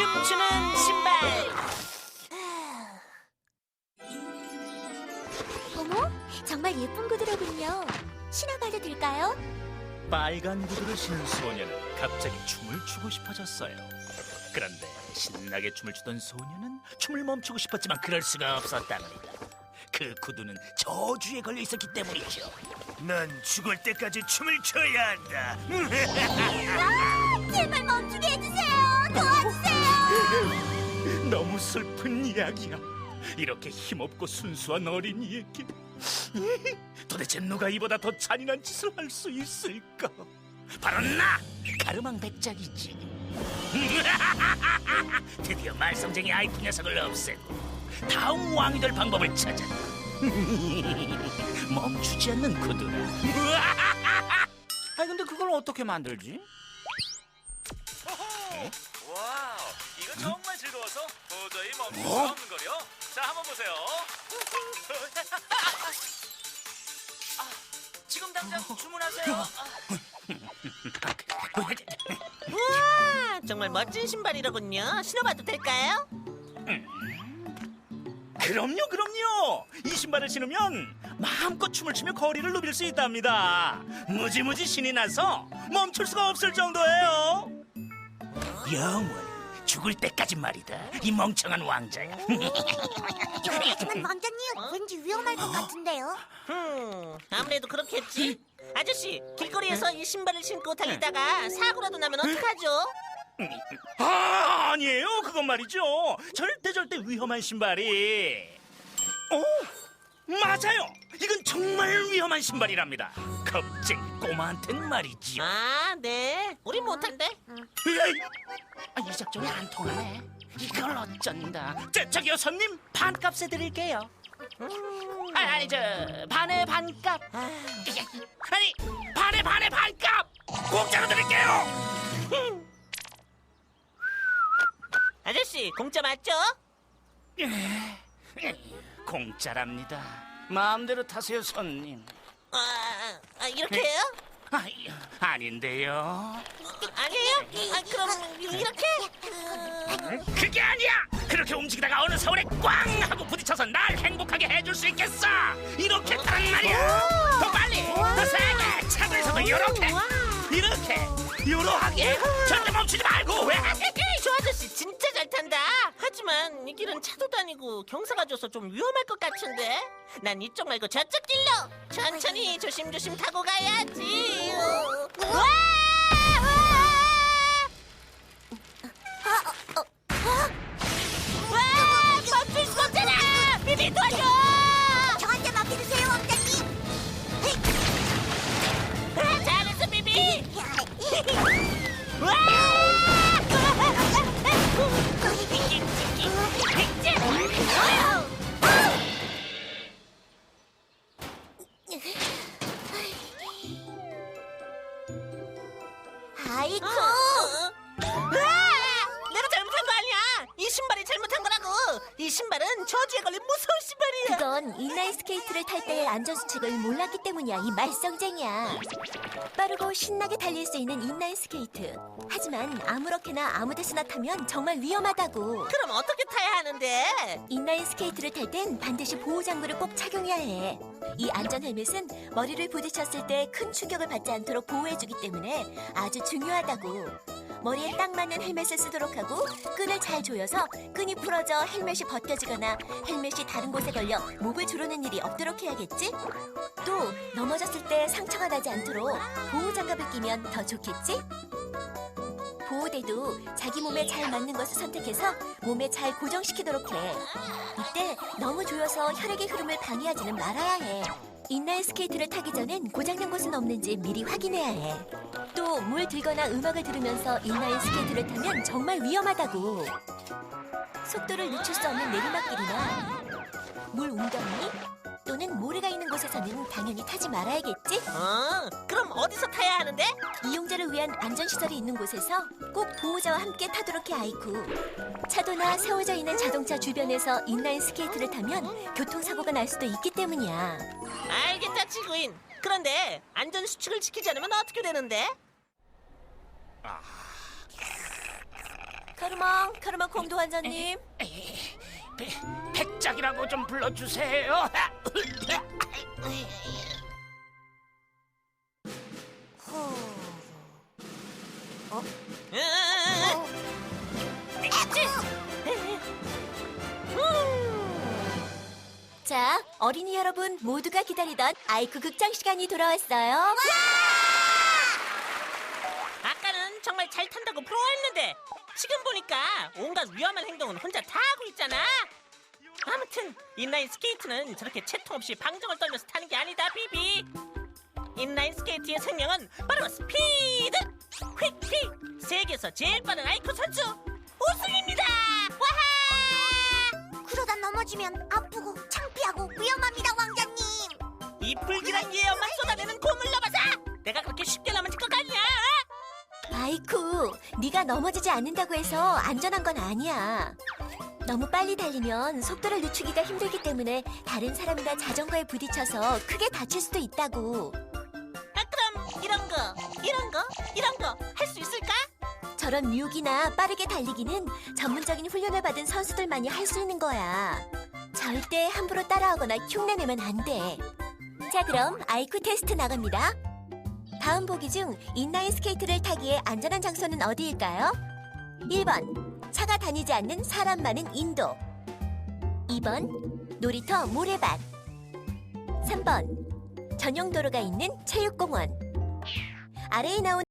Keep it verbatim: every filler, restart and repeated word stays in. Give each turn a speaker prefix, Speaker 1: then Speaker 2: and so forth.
Speaker 1: 춤추는 신발.
Speaker 2: 어머, 정말 예쁜 구두로군요. 신어봐도 될까요?
Speaker 3: 빨간 구두를 신은 소녀는 갑자기 춤을 추고 싶어졌어요. 그런데 신나게 춤을 추던 소녀는 춤을 멈추고 싶었지만 그럴 수가 없었답니다. 그 구두는 저주에 걸려 있었기 때문이죠. 넌 죽을 때까지 춤을 춰야 한다.
Speaker 2: 아, 제발 멈추게 해주세요. 도와주세요.
Speaker 3: 너무 슬픈 이야기야. 이렇게 힘없고 순수한 어린이에게 도대체 누가 이보다 더 잔인한 짓을 할 수 있을까? 바로 나! 가르망 백작이지. 드디어 말썽쟁이 아이프 녀석을 없애고 다음 왕이 될 방법을 찾아. 멈추지 않는 구두라.
Speaker 4: 아니 근데 그걸 어떻게 만들지?
Speaker 5: 와우, 이거 정말 즐거워서 도저히 멈출 수 없는 거요. 자, 한번 보세요. 아, 지금 당장 주문하세요.
Speaker 1: 우와, 정말 멋진 신발이로군요. 신어봐도 될까요?
Speaker 3: 그럼요, 그럼요. 이 신발을 신으면 마음껏 춤을 추며 거리를 누빌 수 있답니다. 무지무지 신이 나서 멈출 수가 없을 정도예요. 영원 죽을 때까지 말이다. 이 멍청한 왕자야.
Speaker 2: 하지만 왕자님, 왠지 위험할 것 같은데요.
Speaker 1: 음, 아무래도 그렇겠지. 아저씨, 길거리에서 이 신발을 신고 달리다가 사고라도 나면 어떡하죠?
Speaker 3: 아, 아니에요. 그건 말이죠. 절대 절대 위험한 신발이. 오, 맞아요. 이건 정말 위험한 신발이랍니다. 겁쟁이 꼬마한텐 말이지요.
Speaker 1: 아, 네. 우린 못한대.
Speaker 3: 에이,
Speaker 4: 아, 이 작전이 안 통하네. 이걸 어쩐다.
Speaker 3: 저, 저기요 손님, 반값에 드릴게요.
Speaker 4: 아, 아니 저 반의 반값.
Speaker 3: 아니, 반에 반에 반값 공짜로 드릴게요.
Speaker 1: 아저씨, 공짜 맞죠?
Speaker 3: 공짜랍니다.
Speaker 4: 마음대로 타세요 손님.
Speaker 1: 아, 아 이렇게요?
Speaker 3: 아, 아닌데요.
Speaker 1: 아니에요? 아, 그럼 이렇게?
Speaker 3: 그게 아니야. 그렇게 움직이다가 어느 서울에 꽝 하고 부딪혀서 날 행복하게 해줄 수 있겠어. 이렇게 타란 말이야. 더 빨리, 더 세게. 차도에서도 이렇게, 이렇게, 이러하게. 절대 멈추지 말고. 왜?
Speaker 1: 저 아저씨 진짜 잘 탄다. 하지만 이 길은 차도 다니고 경사가 져서 좀 위험할 것 같은데. 난 이쪽 말고 저쪽 길로 천천히 조심조심 타고 가야지. 와! 와! 멈출 수 없잖아. 비비 도와줘.
Speaker 2: 저한테 맡겨주세요, 왕자님.
Speaker 1: 아, 잘했어 비비. 와!
Speaker 2: 아이쿠.
Speaker 1: 내가 잘못한 거 아니야. 이 신발이 잘못한 거라고. 이 신발은 저주에 걸린 무서운 신발이야.
Speaker 2: 그건 인라인 스케이트를 탈 때의 안전수칙을 몰랐기 때문이야, 이 말썽쟁이야. 빠르고 신나게 달릴 수 있는 인라인 스케이트. 하지만 아무렇게나 아무 데서나 타면 정말 위험하다고.
Speaker 1: 그럼 어떻게 타야 하는데?
Speaker 2: 인라인 스케이트를 탈 땐 반드시 보호장구를 꼭 착용해야 해. 이 안전 헬멧은 머리를 부딪혔을 때 큰 충격을 받지 않도록 보호해주기 때문에 아주 중요하다고. 머리에 딱 맞는 헬멧을 쓰도록 하고 끈을 잘 조여서 끈이 풀어져 헬멧이 벗겨지거나 헬멧이 다른 곳에 걸려 목을 조르는 일이 없도록 해야겠지? 또 넘어졌을 때 상처가 나지 않도록 보호장갑을 끼면 더 좋겠지? 보호대도 자기 몸에 잘 맞는 것을 선택해서 몸에 잘 고정시키도록 해. 이때 너무 조여서 혈액의 흐름을 방해하지는 말아야 해. 인라인 스케이트를 타기 전엔 고장난 곳은 없는지 미리 확인해야 해. 또 물 들거나 음악을 들으면서 인라인 스케이트를 타면 정말 위험하다고. 속도를 늦출 수 없는 내리막길이나 물 웅덩이 또는 모래가 있는 곳에서는 당연히 타지 말아야겠지?
Speaker 1: 어, 그럼 어디서 타야 하는데?
Speaker 2: 이용자를 위한 안전시설이 있는 곳에서 꼭 보호자와 함께 타도록 해, 아이쿠. 차도나 세워져 있는 자동차 주변에서 인라인 스케이트를 타면 교통사고가 날 수도 있기 때문이야.
Speaker 1: 알겠다, 지구인. 그런데 안전 수칙을 지키지 않으면 어떻게 되는데?
Speaker 2: 카르망, 카르망 콩도 환자님.
Speaker 4: 배, 백작이라고 좀 불러주세요.
Speaker 2: 자, 어린이 여러분 모두가 기다리던 아이쿠 극장 시간이 돌아왔어요.
Speaker 1: 아까는 정말 잘 탄다고 부러워했는데 지금 보니까 온갖 위험한 행동은 혼자 다 하고 있잖아. 아무튼 인라인 스케이트는 저렇게 채통 없이 방정을 떨면서 타는 게 아니다, 비비. 인라인 스케이트의 생명은 바로 스피드! 휙휙! 세계에서 제일 빠른 아이쿠 선수 우승입니다! 와하!
Speaker 6: 그러다 넘어지면 아프고 창피하고 위험합니다, 왕자님.
Speaker 1: 이 불길한 예언만 쏟아내는 고물 넘어서 내가 그렇게 쉽게 넘어질 것 같냐?
Speaker 2: 아이쿠, 네가 넘어지지 않는다고 해서 안전한 건 아니야. 너무 빨리 달리면 속도를 늦추기가 힘들기 때문에 다른 사람이나 자전거에 부딪혀서 크게 다칠 수도 있다고.
Speaker 1: 아, 그럼 이런 거, 이런 거, 이런 거 할 수 있을까?
Speaker 2: 저런 뮤기나 빠르게 달리기는 전문적인 훈련을 받은 선수들만이 할 수 있는 거야. 절대 함부로 따라하거나 흉내내면 안 돼. 자, 그럼 아이쿠 테스트 나갑니다. 다음 보기 중 인라인 스케이트를 타기에 안전한 장소는 어디일까요? 일 번 차가 다니지 않는 사람 많은 인도, 이 번 놀이터 모래밭, 삼 번 전용 도로가 있는 체육공원. 아래에 나온